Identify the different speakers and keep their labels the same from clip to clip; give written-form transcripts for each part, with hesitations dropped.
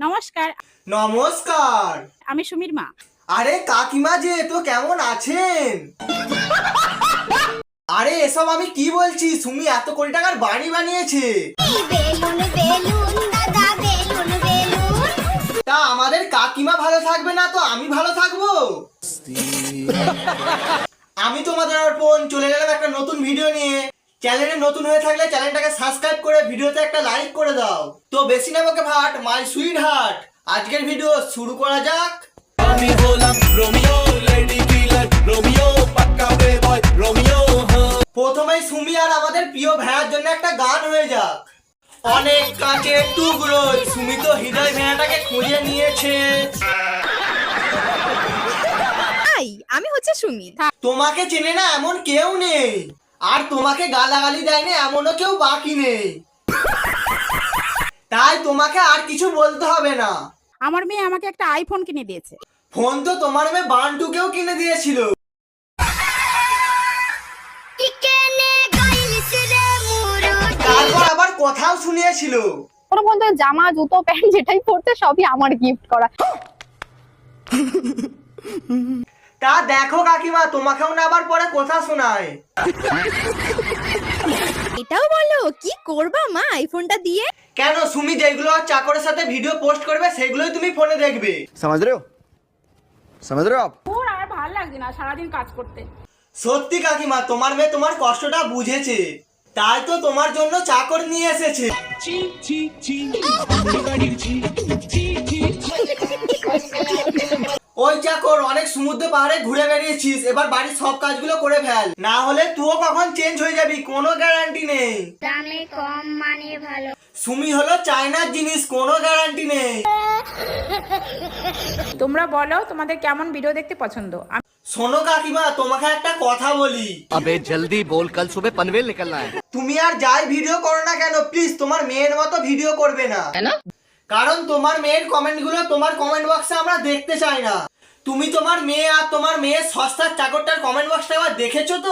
Speaker 1: নমস্কার।
Speaker 2: নমস্কার।
Speaker 1: আমি সুমির মা।
Speaker 2: আরে কাকিমা যে, তো কেমন আছেন? আরে এসব আমি কি বলছি, সুমি এত কোটি টাকার বাড়ি বানিয়েছে। তা আমাদের কাকিমা ভালো থাকবে না তো আমি ভালো থাকবো? আমি তোমাদের অর্পণ চলে গেলাম একটা নতুন ভিডিও নিয়ে। চ্যানেলে নতুন হয়ে থাকলে চ্যানেলটাকে সাবস্ক্রাইব করে ভিডিওতে একটা লাইক করে দাও। তো বেশি না বকে ভাট, মাই সুইট হার্ট, আজকের ভিডিও শুরু করা যাক।
Speaker 3: আমি বললাম রোমিও লেডি কিলার রোমিও পাক্কা বয় রোমিও।
Speaker 2: প্রথমেই সুমি আর আমাদের প্রিয় ভাইয়ার জন্য একটা গান হয়ে যাক। অনেক কাঁচের টুকরো সুমি তো হৃদয় ভেড়াটাকে খুঁজে নিয়েছে।
Speaker 4: আমি হচ্ছে সুমি।
Speaker 2: তোমাকে চেনে না এমন কেউ নেই, আর তোমাকে গালাগালি দেয়নি এমনও কেউ বাকি নেই। তাই তোমাকে আর কিছু বলতে হবে না।
Speaker 1: আমার মেয়ে আমাকে একটা আইফোন কিনে দিয়েছে।
Speaker 2: ফোন তো তোমার মেয়ে বান্টুকেও কিনে দিয়েছিল। তারপর আবার কথাও শুনিয়েছিল।
Speaker 4: ওর মধ্যে জামা জুতো প্যান্ট যেটাই পড়তে সবই আমার গিফট করা।
Speaker 2: তা দেখো কাকিমা, তোমাকেও না আবার পরে কথা শোনায়।
Speaker 4: এটাও বলো কি করবা মা আইফোনটা দিয়ে?
Speaker 2: কেন সুমি যেগুলো চাকরের সাথে ভিডিও পোস্ট করবে সেগুলোই তুমি ফোনে দেখবে।
Speaker 5: समझ रहे हो आप?
Speaker 1: ওর আর ভালো লাগছে না সারাদিন কাজ করতে।
Speaker 2: সত্যি কাকিমা, তোমার মেয়ে তোমার কষ্টটা বুঝেছে, তাই তো তোমার জন্য চাকর নিয়ে এসেছে। ওই চাকর, অনেক সমুদ্র পাহাড়ে ঘুরে বেরিয়েছিস, এবার বাড়ির সব কাজগুলো করে ফেল, না হলে তুইও কখন চেঞ্জ হয়ে যাবি কোনো গ্যারান্টি নেই।
Speaker 6: দামে কম মানে ভালো।
Speaker 2: সুমি হলো চায়নার জিনিস, কোনো গ্যারান্টি নেই।
Speaker 1: তোমরা বলো তোমাদের কেমন ভিডিও দেখতে পছন্দ।
Speaker 2: শোনো কাকিমা, তোমাকে একটা কথা বলি।
Speaker 5: अबे जल्दी बोल, कल सुबह पनवेल निकलना है।
Speaker 2: তুমি আর যাই ভিডিও করো না কেন, প্লিজ তোমার মেয়ের মতো ভিডিও করবে না। কারণ তোমার মেয়ের কমেন্ট গুলো তোমার কমেন্ট বক্সে আমরা দেখতে চাই না। তুমি তোমার মেয়ে আর তোমার মেয়ের সস্তার চাকরটার কমেন্ট বক্সটা আবার দেখেছো তো?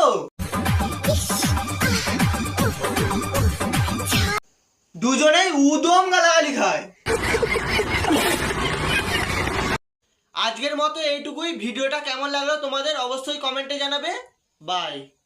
Speaker 2: দুজনেই উদম গালাগালি খায়। আজকের মতো এইটুকুই। ভিডিওটা কেমন লাগলো তোমাদের অবশ্যই কমেন্টে জানাবে। বাই।